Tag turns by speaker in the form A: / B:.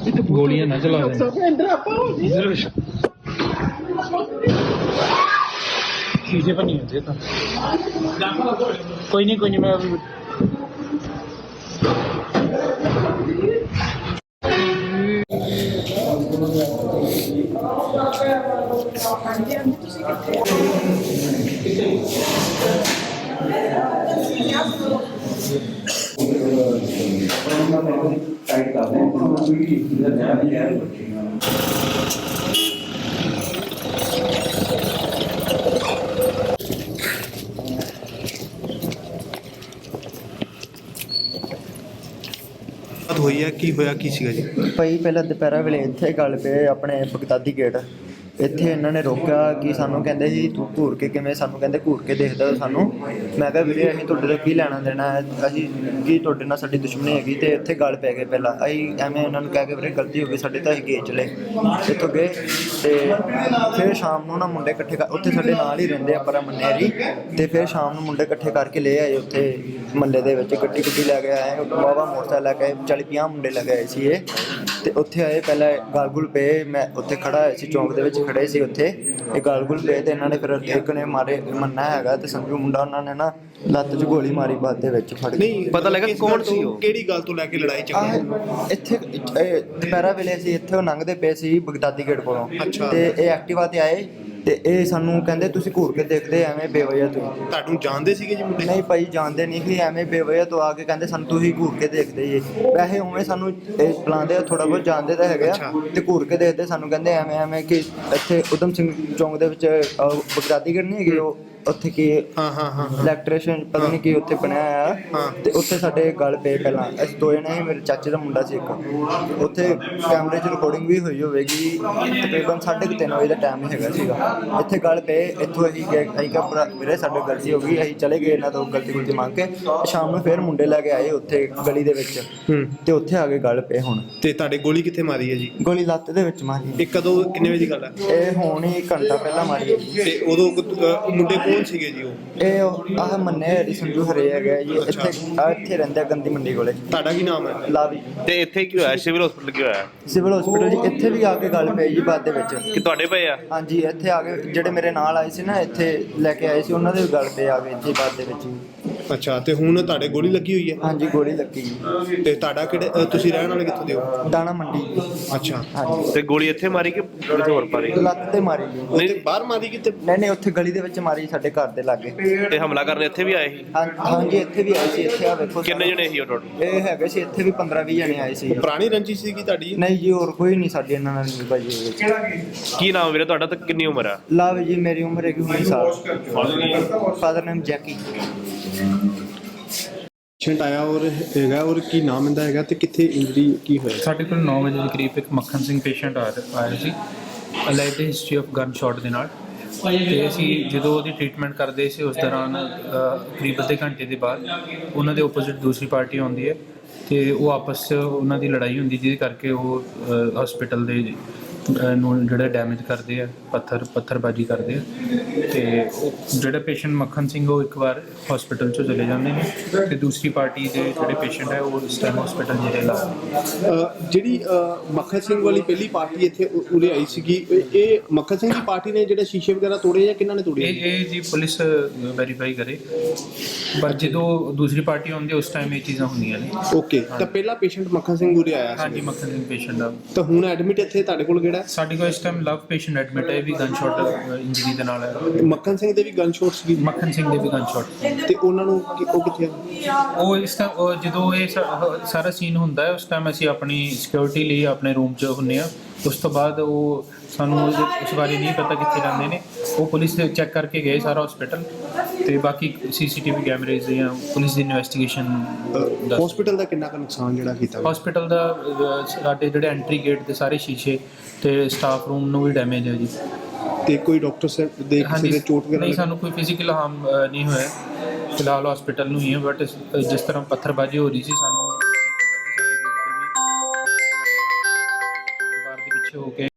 A: गोलियां ना चला दें। शीशे पर नहीं होते तो कोई नहीं मैं अभी
B: ਹੋਈ ਹੈ ਕੀ ਹੋਇਆ ਕੀ ਸੀਗਾ ਜੀ?
C: ਭਾਈ ਪਹਿਲਾਂ ਦੁਪਹਿਰਾਂ ਵੇਲੇ ਇੱਥੇ ਗੱਲ ਪਏ ਆਪਣੇ ਬਗਦਾਦੀ ਗੇਟ ਇੱਥੇ ਇਹਨਾਂ ਨੇ ਰੋਕਿਆ ਕਿ ਸਾਨੂੰ ਕਹਿੰਦੇ ਸੀ ਤੂੰ ਘੂਰ ਕੇ ਕਿਵੇਂ ਸਾਨੂੰ ਕਹਿੰਦੇ ਘੂਰ ਕੇ ਦੇਖਦਾ ਸਾਨੂੰ। ਮੈਂ ਕਿਹਾ ਵੀਰੇ ਅਸੀਂ ਤੁਹਾਡੇ ਤੋਂ ਕੀ ਲੈਣਾ ਦੇਣਾ ਹੈ, ਅਸੀਂ ਕੀ ਤੁਹਾਡੇ ਨਾਲ ਸਾਡੀ ਦੁਸ਼ਮਣੀ ਹੈਗੀ। ਤੇ ਇੱਥੇ ਗੱਲ ਪੈ ਗਏ ਪਹਿਲਾਂ ਅਸੀਂ ਐਵੇਂ ਉਹਨਾਂ ਨੂੰ ਕਹਿ ਕੇ ਵੀਰੇ ਗਲਤੀ ਹੋ ਗਈ ਸਾਡੇ ਤਾਂ ਅਸੀਂ ਗਏ ਚਲੇ ਇੱਥੋਂ ਗਏ। ਤੇ ਫਿਰ ਸ਼ਾਮ ਨੂੰ ਨਾ ਮੁੰਡੇ ਇਕੱਠੇ ਉੱਥੇ ਸਾਡੇ ਨਾਲ ਹੀ ਰਹਿੰਦੇ ਆ ਪਰ ਮੰਨੇਰੀ। ਤੇ ਫਿਰ ਸ਼ਾਮ ਨੂੰ ਮੁੰਡੇ ਇਕੱਠੇ ਕਰਕੇ ਲੈ ਆਏ ਉੱਥੇ ਮਹੱਲੇ ਦੇ ਵਿੱਚ ਗੱਡੀ ਲੈ ਕੇ ਆਏ ਬਾਬਾ ਮੋਟਰਸਾਈਕਲ ਲੈ ਕੇ 40-50 ਮੁੰਡੇ ਲੈ ਕੇ ਆਏ ਸੀ ਇਹ। ਤੇ ਉੱਥੇ ਆਏ ਪਹਿਲਾਂ ਗਲ ਗੁਲ ਪਏ, ਮੈਂ ਉੱਥੇ ਖੜਾ ਹੋਇਆ ਸੀ ਚੌਂਕ ਦੇ ਵਿੱਚ ਖੜੇ ਸੀ ਉੱਥੇ ਇਹ ਗਲ ਗੁਲ ਪਏ। ਤੇ ਇਹਨਾਂ ਨੇ ਫਿਰ ਇੱਕ ਨੇ ਮਾਰੇ ਮੰਨਾ ਹੈਗਾ ਤੇ ਸੰਜੂ ਮੁੰਡਾ ਉਹਨਾਂ ਨੇ ਨਾ ਲੱਤ 'ਚ ਗੋਲੀ ਮਾਰੀ ਬਾਅਦ ਦੇ ਵਿੱਚ ਫੜ ਕੇ।
B: ਨਹੀਂ ਪਤਾ ਲੱਗਾ ਕੌਣ ਸੀ ਉਹ, ਕਿਹੜੀ ਗੱਲ ਤੋਂ ਲੈ ਕੇ ਲੜਾਈ ਚੱਲੀ?
C: ਇੱਥੇ ਦੁਪਹਿਰਾਂ ਵੇਲੇ ਅਸੀਂ ਇੱਥੇ ਉਹ ਲੰਘਦੇ ਪਏ ਸੀ ਬਗਦਾਦੀ ਗੇਟ ਕੋਲੋਂ। ਤੇ ਇਹ ਐਕਟਿਵਾ ਤੇ ਆਏ ਤੇ ਇਹ ਸਾਨੂੰ ਕਹਿੰਦੇ ਤੁਸੀਂ ਘੂਰ ਕੇ ਦੇਖਦੇ ਐਵੇਂ ਬੇਵਜ੍ਹਾ ਤੁਸੀਂ।
B: ਤੁਹਾਨੂੰ ਜਾਣਦੇ ਸੀਗੇ ਜੀ ਮੁੰਡੇ?
C: ਨਹੀਂ ਭਾਈ ਜਾਣਦੇ ਨਹੀਂ ਸੀ, ਐਵੇਂ ਬੇਵਜ੍ਹਾ ਤੋਂ ਆ ਕੇ ਕਹਿੰਦੇ ਸਾਨੂੰ ਤੁਸੀਂ ਘੂਰ ਕੇ ਦੇਖਦੇ ਜੀ। ਵੈਸੇ ਉਵੇਂ ਸਾਨੂੰ ਇਹ ਬੁਲਾਉਂਦੇ ਥੋੜਾ ਬਹੁਤ ਜਾਣਦੇ ਤਾਂ ਹੈਗੇ ਆ ਤੇ ਘੂਰ ਕੇ ਦੇਖਦੇ ਸਾਨੂੰ ਕਹਿੰਦੇ ਐਵੇਂ ਕਿ ਇੱਥੇ ਉਦਮ ਸਿੰਘ ਚੌਂਕ ਦੇ ਵਿੱਚ ਬਗਦਾਦੀ ਗੇਟ ਨਹੀਂ ਹੈਗੇ ਉਹ ਉੱਥੇ ਕੀ ਇਲੈਕਟ੍ਰੀਸ਼ੀਅਨ ਪਤਾ ਨਹੀਂ ਕੀ ਉੱਥੇ ਬਣਿਆ ਆ। ਤੇ ਉੱਥੇ ਸਾਡੇ ਗੱਲ ਪਏ ਪਹਿਲਾਂ ਅਸੀਂ ਦੋ ਜਣੇ ਸੀ, ਮੇਰੇ ਚਾਚੇ ਦਾ ਮੁੰਡਾ ਸੀ ਇੱਕ। ਉੱਥੇ ਕੈਮਰੇ 'ਚ ਰਿਕਾਰਡਿੰਗ ਵੀ ਹੋਈ ਹੋਵੇਗੀ ਤਕਰੀਬਨ 3:30 ਵਜੇ ਦਾ ਟਾਈਮ ਹੀ ਹੈਗਾ ਸੀਗਾ। ਇੱਥੇ ਗੱਲ ਪਏ ਇੱਥੋਂ ਅਸੀਂ ਗਏ ਅਸੀਂ ਕਿਹਾ ਵੀਰੇ ਸਾਡੇ ਗਲਤੀ ਹੋ ਗਈ ਅਸੀਂ ਚਲੇ ਗਏ ਇਹਨਾਂ ਤੋਂ ਗਲਤੀ ਮੰਗ ਕੇ। ਸ਼ਾਮ ਨੂੰ ਫਿਰ ਮੁੰਡੇ ਲੈ ਕੇ ਆਏ ਉੱਥੇ ਗਲੀ ਦੇ ਵਿੱਚ ਤੇ ਉੱਥੇ ਆ ਕੇ ਗੱਲ ਪਏ ਹੁਣ।
B: ਤੇ ਤੁਹਾਡੇ ਗੋਲੀ ਕਿੱਥੇ ਮਾਰੀ ਹੈ ਜੀ?
C: ਗੋਲੀ ਲੱਤ ਦੇ ਵਿੱਚ ਮਾਰੀ।
B: ਇਹ ਕਦੋਂ ਕਿੰਨੇ ਵਜੇ ਦੀ ਗੱਲ ਹੈ?
C: ਇਹ ਹੁਣ ਹੀ ਘੰਟਾ ਪਹਿਲਾਂ ਮਾਰੀ ਹੈ।
B: ਤੇ ਉਦੋਂ ਮੁੰਡੇ ਕੌਣ ਸੀਗੇ ਜੀ ਉਹ?
C: ਇਹ ਆਹ ਮੰਨੇ ਹਰੀ ਸੰਜੂ ਹਰੇ ਹੈਗਾ ਜੀ ਇੱਥੇ ਰਹਿੰਦਾ ਗੰਦੀ ਮੰਡੀ ਕੋਲੇ।
B: ਤੁਹਾਡਾ ਕੀ ਨਾਮ ਹੈ?
C: ਲਾਵੀ।
D: ਤੇ ਇੱਥੇ ਕੀ ਹੋਇਆ? ਸਿਵਲ ਹਸਪੀਟਲ ਕੀ ਹੋਇਆ?
C: ਸਿਵਲ ਹਸਪੀਟਲ ਜੀ ਇੱਥੇ ਵੀ ਆ ਕੇ ਗੱਲ ਪਈ ਜੀ ਬਾਅਦ ਦੇ ਵਿੱਚ।
D: ਕਿ ਤੁਹਾਡੇ ਪਏ ਆ?
C: ਹਾਂਜੀ ਇੱਥੇ ਆ ਕੇ ਜਿਹੜੇ ਮੇਰੇ ਨਾਲ ਆਏ ਸੀ ਨਾ ਇੱਥੇ ਲੈ ਕੇ ਆਏ ਸੀ ਉਹਨਾਂ ਦੇ ਵੀ ਗੱਲ ਪਏ ਆ ਗਏ ਇੱਥੇ ਬਾਅਦ ਦੇ ਵਿੱਚ।
B: ਅੱਛਾ ਤੇ ਹੁਣ ਤੁਹਾਡੇ ਗੋਲੀ ਲੱਗੀ ਹੋਈ ਹੈ?
C: ਹਾਂਜੀ ਗੋਲੀ ਲੱਗੀ ਜੀ।
B: ਤੇ ਤੁਹਾਡਾ ਕਿਹੜੇ ਤੁਸੀਂ ਰਹਿਣ ਵਾਲੇ ਕਿੱਥੋਂ ਦੇ ਹੋ?
C: ਦਾਣਾ ਮੰਡੀ।
B: ਅੱਛਾ
C: ਹਾਂਜੀ।
D: ਤੇ ਗੋਲੀ ਇੱਥੇ ਮਾਰੀ ਕਿ ਕਿਤੇ ਹੋਰ ਮਾਰੀ?
C: ਲੱਤ ਤੇ ਮਾਰੀ ਜੀ।
B: ਉੱਥੇ ਬਾਹਰ ਮਾਰੀ ਕਿਤੇ?
C: ਨਹੀਂ ਉੱਥੇ ਗਲੀ ਦੇ ਵਿੱਚ ਮਾਰੀ ਸਾਡੇ ਘਰ ਦੇ ਲਾਗੇ।
D: ਤੇ ਹਮਲਾ ਕਰਨ ਇੱਥੇ ਵੀ ਆਏ ਸੀ?
C: ਹਾਂਜੀ ਇੱਥੇ ਵੀ ਆਏ ਸੀ। ਇੱਥੇ ਆ ਵੇਖੋ
D: ਕਿੰਨੇ ਜਣੇ ਸੀ ਉਹ ਟੋਟਲ?
C: ਇਹ ਹੈਗੇ ਸੀ ਇੱਥੇ ਵੀ 15-20 ਜਣੇ ਆਏ ਸੀ।
B: ਪੁਰਾਣੀ ਰੰਜਿਸ਼ ਸੀਗੀ ਤੁਹਾਡੀ?
C: ਨਹੀਂ ਜੀ ਹੋਰ ਕੋਈ ਨਹੀਂ ਸਾਡੀ ਇਹਨਾਂ ਨਾਲ ਨਹੀਂ ਭਾਜੀ ਵਿੱਚ।
D: ਕੀ ਨਾਮ ਵੀਰੇ ਤੁਹਾਡਾ ਤੇ ਕਿੰਨੀ ਉਮਰ ਆ?
C: ਲਾਵ ਜੀ ਮੇਰੀ ਉਮਰ ਹੈਗੀ 19 ਸਾਲ। Father name Jackie.
B: ਪੇਸ਼ੈਂਟ ਆਇਆ ਔਰ ਹੈਗਾ ਔਰ ਕੀ ਨਾਮ ਇਹਦਾ ਹੈਗਾ ਤੇ ਕਿੱਥੇ ਇੰਜਰੀ ਕੀ ਹੋਇਆ?
A: ਸਾਡੇ ਕੋਲ 9 ਵਜੇ ਦੇ ਕਰੀਬ ਇੱਕ ਮੱਖਣ ਸਿੰਘ ਪੇਸ਼ੈਂਟ ਆਇਆ ਸੀ alleged history of gun shot ਦੇ ਨਾਲ। ਤੇ ਅਸੀਂ ਜਦੋਂ ਉਹਦੀ ਟ੍ਰੀਟਮੈਂਟ ਕਰਦੇ ਸੀ ਉਸ ਦੌਰਾਨ ਕਰੀਬ ਅੱਧੇ ਘੰਟੇ ਦੇ ਬਾਅਦ ਉਹਨਾਂ ਦੇ ਓਪੋਜ਼ਿਟ ਦੂਸਰੀ ਪਾਰਟੀ ਆਉਂਦੀ ਹੈ ਤੇ ਉਹ ਆਪਸ 'ਚ ਉਹਨਾਂ ਦੀ ਲੜਾਈ ਹੁੰਦੀ ਜਿਹਦੇ ਕਰਕੇ ਉਹ ਹਸਪੀਟਲ ਦੇ ਨੂੰ ਜਿਹੜਾ ਡੈਮੇਜ ਕਰਦੇ ਆ ਪੱਥਰਬਾਜੀ ਕਰਦੇ ਆ। ਤੇ ਜਿਹੜਾ ਪੇਸ਼ੈਂਟ ਮੱਖਣ ਸਿੰਘ ਉਹ ਇੱਕ ਵਾਰ ਹਸਪੀਟਲ 'ਚੋਂ ਚਲੇ ਜਾਂਦੇ ਨੇ ਤੇ ਦੂਸਰੀ ਪਾਰਟੀ ਦੇ ਜਿਹੜੇ ਪੇਸ਼ੈਂਟ ਹੈ ਉਹ ਇਸ ਟਾਈਮ ਹਸਪੀਟਲ ਜਿਹੜੇ ਲਾ
B: ਜਿਹੜੀ ਮੱਖਣ ਸਿੰਘ ਵਾਲੀ ਪਹਿਲੀ ਪਾਰਟੀ ਇੱਥੇ ਉਰੇ ਆਈ ਸੀਗੀ ਇਹ ਮੱਖਣ ਸਿੰਘ ਦੀ ਪਾਰਟੀ ਨੇ ਜਿਹੜੇ ਸ਼ੀਸ਼ੇ ਵਗੈਰਾ ਤੋੜੇ ਜਾਂ ਕਿਹਨਾਂ ਨੇ ਤੋੜੇ?
A: ਇਹ ਜੀ ਪੁਲਿਸ ਵੈਰੀਫਾਈ ਕਰੇ ਪਰ ਜਦੋਂ ਦੂਸਰੀ ਪਾਰਟੀ ਆਉਂਦੀ ਉਸ ਟਾਈਮ ਇਹ ਚੀਜ਼ਾਂ ਹੁੰਦੀਆਂ ਨੇ।
B: ਓਕੇ ਤਾਂ ਪਹਿਲਾ ਪੇਸ਼ੈਂਟ ਮੱਖਣ ਸਿੰਘ ਉਰੇ ਆਇਆ ਸੀ?
A: ਹਾਂਜੀ ਮੱਖਣ ਸਿੰਘ ਪੇਸ਼ੈਂਟ ਆ।
B: ਤਾਂ ਹੁਣ ਐਡਮਿਟ ਇੱਥੇ ਤੁਹਾਡੇ ਕੋਲ ਕਿਹੜਾ?
A: ਸਾਡੇ ਕੋਲ ਇਸ ਟਾਈਮ ਲਵ ਪੇਸ਼ੈਂਟ ਐਡਮਿਟ ਹੈ ਵੀ ਗਨ ਸ਼ਾਟ ਇੰਜਰੀ ਦੇ ਨਾਲ ਹੈ।
B: ਮੱਖਣ ਸਿੰਘ ਦੇ ਵੀ ਗਨ ਸ਼ਾਟ ਸੀ?
A: ਮੱਖਣ ਸਿੰਘ ਦੇ ਵੀ ਗਨ ਸ਼ਾਟ।
B: ਤੇ ਉਹਨਾਂ ਨੂੰ ਉਹ ਕਿੱਥੇ ਆ?
A: ਉਹ ਇਸ ਟਾਈਮ ਜਦੋਂ ਇਹ ਸਾਰਾ ਸੀਨ ਹੁੰਦਾ ਹੈ ਉਸ ਟਾਈਮ ਅਸੀਂ ਆਪਣੀ ਸਿਕਿਉਰਿਟੀ ਲਈ ਆਪਣੇ ਰੂਮ 'ਚ ਹੁੰਦੇ ਹਾਂ। ਉਸ ਤੋਂ ਬਾਅਦ ਉਹ ਸਾਨੂੰ ਉਸ ਬਾਰੇ ਨਹੀਂ ਪਤਾ ਕਿੱਥੇ ਜਾਂਦੇ ਨੇ। ਉਹ ਪੁਲਿਸ ਚੈੱਕ ਕਰਕੇ ਗਏ ਸਾਰਾ ਹਸਪੀਟਲ ਤੇ ਬਾਕੀ CCTV ਕੈਮਰੇਜ਼ ਜਾਂ ਪੁਲਿਸ ਦੀ ਇਨਵੈਸਟੀਗੇਸ਼ਨ।
B: ਹਸਪੀਟਲ ਦਾ ਕਿੰਨਾ ਕੁ ਨੁਕਸਾਨ ਜਿਹੜਾ ਕੀਤਾ?
A: ਹਸਪੀਟਲ ਦਾ ਸਾਡੇ ਜਿਹੜੇ ਐਂਟਰੀ ਗੇਟ ਦੇ ਸਾਰੇ ਸ਼ੀਸ਼ੇ ਤੇ ਸਟਾਫ ਰੂਮ ਨੂੰ ਵੀ ਡੈਮੇਜ ਹੈ ਜੀ।
B: ਤੇ ਕੋਈ ਡਾਕਟਰ ਸਾਹਿਬ ਦੇ ਕਿਸੇ ਦੇ ਚੋਟ ਵਗੈਰਾ?
A: ਨਹੀਂ ਸਾਨੂੰ ਕੋਈ ਫਿਜ਼ੀਕਲ ਹਾਰਮ ਨਹੀਂ ਹੋਇਆ ਫਿਲਹਾਲ ਹਸਪੀਟਲ ਨੂੰ ਹੀ ਹੈ। ਬਟ ਜਿਸ ਤਰ੍ਹਾਂ ਪੱਥਰਬਾਜੀ ਹੋ ਰਹੀ ਸੀ ਸਾਨੂੰ ਦੀਵਾਰ ਦੇ ਪਿੱਛੇ ਹੋ ਕੇ